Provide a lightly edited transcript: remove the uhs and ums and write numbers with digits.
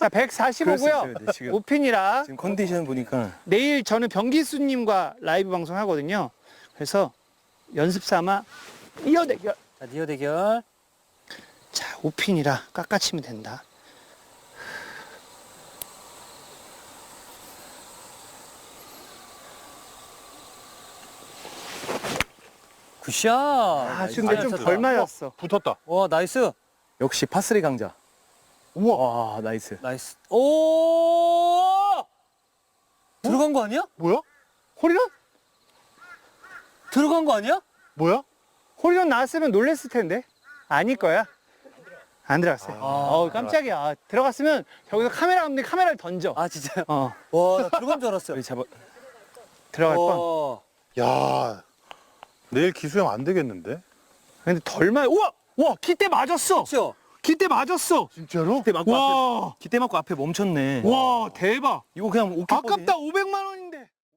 자, 그럴 수 있어요, 145고요. 네, 지금. 5핀이라 지금 컨디션 보니까 내일 저는 병기수님과 라이브 방송 하거든요. 그래서 연습 삼아 이어 대결. 자, 니어 대결. 자, 5핀이라 깎아치면 된다. 굿샷. 아, 지금 나이스. 좀 덜 맞았어. 붙었다. 와, 나이스. 역시 파3 강자. 우와. 와, 나이스. 나이스. 오! 들어간 거 아니야? 뭐야? 홀이런? 들어간 거 아니야? 뭐야? 홀이런 나왔으면 놀랬을 텐데. 아닐 거야. 안 들어갔어요. 깜짝이야. 아, 들어갔으면 저기서 카메라 감독이 카메라를 던져. 아, 진짜요? 어, 와, 나 들어간 줄 알았어요. 여기 잡아. 들어갈 뻔. 와. 야, 내일 기수형 안 되겠는데? 근데 덜 맞. 우와! 와, 기대 맞았어. 그렇죠? 기대 맞았어. 진짜로? 기대 맞고 와, 앞에, 기대 맞고 앞에 멈췄네. 와, 대박. 이거 그냥 오케이 아깝다. 500만 원인데.